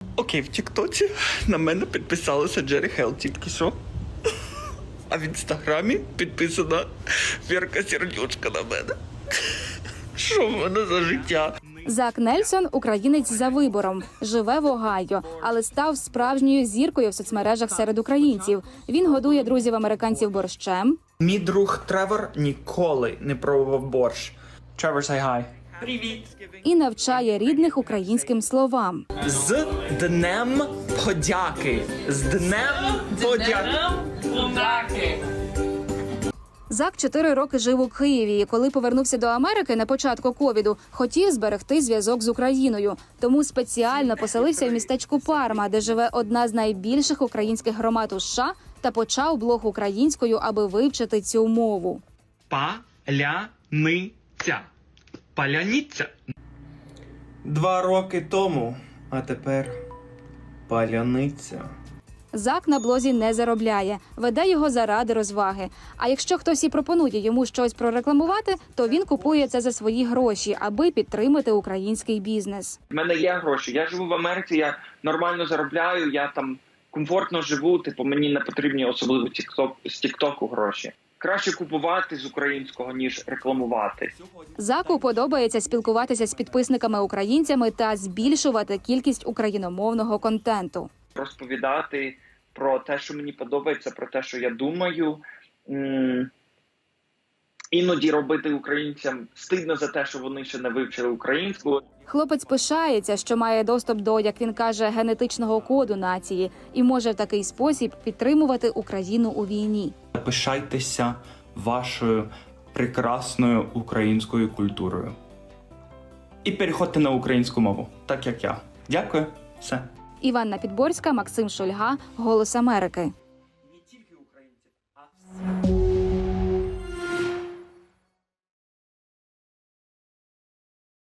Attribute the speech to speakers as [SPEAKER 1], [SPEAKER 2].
[SPEAKER 1] Окей, в Тіктоці на мене підписалася Джері Хелл тільки що. А в Інстаграмі підписана Вірка Сердючка на мене. Що в мене за життя?
[SPEAKER 2] Зак Нельсон – українець за вибором. Живе в Огайо, але став справжньою зіркою в соцмережах серед українців. Він годує друзів-американців борщем.
[SPEAKER 1] Мій друг Тревор ніколи не пробував борщ. Тревор, say hi. Привіт.
[SPEAKER 2] І навчає рідних українським словам.
[SPEAKER 1] З Днем Подяки. З Днем Подяки.
[SPEAKER 2] Зак 4 роки жив у Києві і коли повернувся до Америки на початку ковіду, хотів зберегти зв'язок з Україною. Тому спеціально поселився в містечку Парма, де живе одна з найбільших українських громад у США, та почав блог українською, аби вивчити цю мову.
[SPEAKER 1] Паляниця. Паляниця. 2 роки тому, а тепер паляниця.
[SPEAKER 2] Зак на блозі не заробляє, веде його заради розваги. А якщо хтось і пропонує йому щось прорекламувати, то він купує це за свої гроші, аби підтримати український бізнес.
[SPEAKER 3] У мене є гроші, я живу в Америці, я нормально заробляю, я там комфортно живу, типу мені не потрібні особливо з тіктоку гроші. Краще купувати з українського, ніж рекламувати.
[SPEAKER 2] Заку подобається спілкуватися з підписниками-українцями та збільшувати кількість україномовного контенту.
[SPEAKER 3] Розповідати про те, що мені подобається, про те, що я думаю. Іноді робити українцям стидно за те, що вони ще не вивчили українську.
[SPEAKER 2] Хлопець пишається, що має доступ до, як він каже, генетичного коду нації і може в такий спосіб підтримувати Україну у війні.
[SPEAKER 1] Пишайтеся вашою прекрасною українською культурою. І переходьте на українську мову, так як я. Дякую. Все.
[SPEAKER 2] Іванна Підборська, Максим Шульга, «Голос Америки».